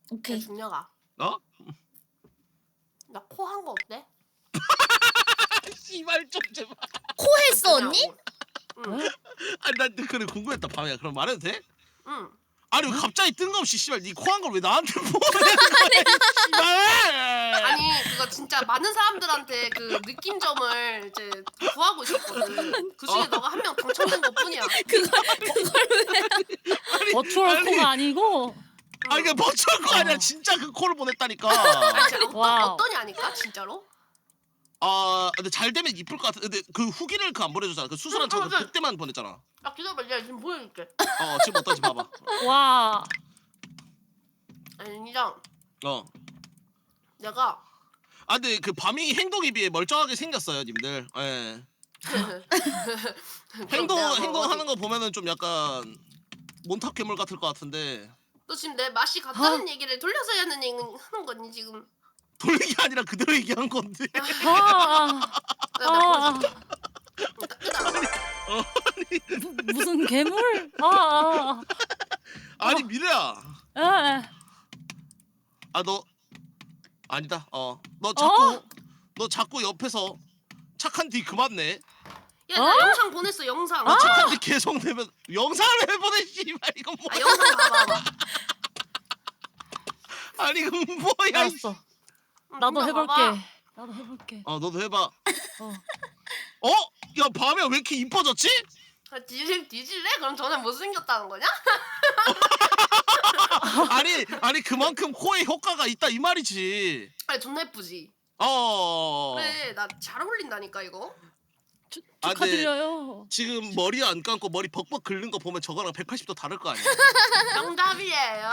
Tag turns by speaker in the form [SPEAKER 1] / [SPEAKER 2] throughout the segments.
[SPEAKER 1] 오케이.
[SPEAKER 2] 중녀가.
[SPEAKER 3] 어?
[SPEAKER 2] 나 코 한 거 어때?
[SPEAKER 3] 씨발 좀 제발.
[SPEAKER 1] 코 했어 언니?
[SPEAKER 2] 응.
[SPEAKER 3] 아니 난 그래 궁금했다 밤이야. 그럼 말해도 돼?
[SPEAKER 2] 응.
[SPEAKER 3] 아니 왜 갑자기 뜬금없이 씨발 니 코 한 걸 왜 나한테 보내는 거야? 씨발.
[SPEAKER 2] 아니 그거 진짜 많은 사람들한테 그 느낌점을 이제 구하고 있었거든. 그 중에 너가 한 명 당첨된 것뿐이야.
[SPEAKER 1] 그걸 왜?
[SPEAKER 4] 버추얼 코가 아니고.
[SPEAKER 3] 아니 그냥 버추얼 거 아니야. 진짜 그 코를 보냈다니까.
[SPEAKER 2] 아니 진짜
[SPEAKER 4] 와우.
[SPEAKER 2] 어떠냐니까 진짜로?
[SPEAKER 3] 아 근데 잘 되면 이쁠 것 같아. 근데 그 후기를 그 안 보내줬잖아. 그 수술한 저
[SPEAKER 2] 맞아.
[SPEAKER 3] 그때만 보냈잖아.
[SPEAKER 2] 아 기다려봐, 내가 지금 보여줄게.
[SPEAKER 3] 지금 어떤지 봐봐.
[SPEAKER 4] 와.
[SPEAKER 2] 아니 인정. 내가
[SPEAKER 3] 아 근데 그 밤이 행동에 비해 멀쩡하게 생겼어요, 님들. 예. 행동하는 거 보면은 좀 약간 몬탁 괴물 같을 것 같은데
[SPEAKER 2] 너 지금 내 맛이 같다는 얘기를 돌려서 하는 거니 지금?
[SPEAKER 3] 돌리기 아니라 그대로 얘기한 건데.
[SPEAKER 4] 아.
[SPEAKER 2] 나
[SPEAKER 4] 무슨 괴물?
[SPEAKER 3] 아니 미래야.
[SPEAKER 4] 에.
[SPEAKER 3] 아 너 아니다. 너 자꾸 옆에서 착한 뒤 그만 내.
[SPEAKER 2] 야, 나 영상 보냈어 영상.
[SPEAKER 3] 너 착한 뒤 계속 내면 영상을 왜 보내 씨발 이건 뭐야?
[SPEAKER 2] 아, 영상 봐봐.
[SPEAKER 3] 아니 이건 뭐야?
[SPEAKER 4] 알았어. 나도 해볼게. 나도 해볼게.
[SPEAKER 3] 너도 해봐. 야 밤에 왜 이렇게 이뻐졌지?
[SPEAKER 2] 아, 뒤질래? 그럼 저는 못생겼다는 거냐?
[SPEAKER 3] 아니 그만큼 코에 효과가 있다 이 말이지.
[SPEAKER 2] 아니 존나 예쁘지. 그래 나 잘 어울린다니까 이거.
[SPEAKER 4] 축하드려요.
[SPEAKER 3] 지금 머리 안 감고 머리 벅벅 긁는 거 보면 저거랑 180도 다를 거 아니야.
[SPEAKER 2] 정답이에요.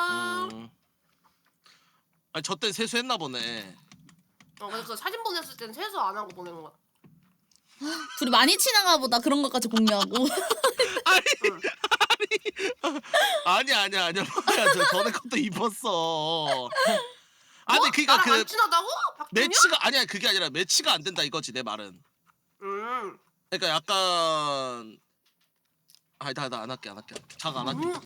[SPEAKER 3] 아니 저 때 세수했나 보네.
[SPEAKER 2] 그래서 그 사진 보냈을 땐 세수 안 하고 보낸 거야.
[SPEAKER 1] 둘이 많이 친한가 보다 그런 것까지 공유하고.
[SPEAKER 3] 아니야 뭐야 저 전에 것도 입었어. 아니
[SPEAKER 2] 뭐?
[SPEAKER 3] 그니까
[SPEAKER 2] 나랑
[SPEAKER 3] 그
[SPEAKER 2] 안 친하다고? 박준영?
[SPEAKER 3] 매치가 아니야 그게 아니라 매치가 안 된다 이거지 내 말은. 그러니까 약간 나 안 할게 자가 안 할게.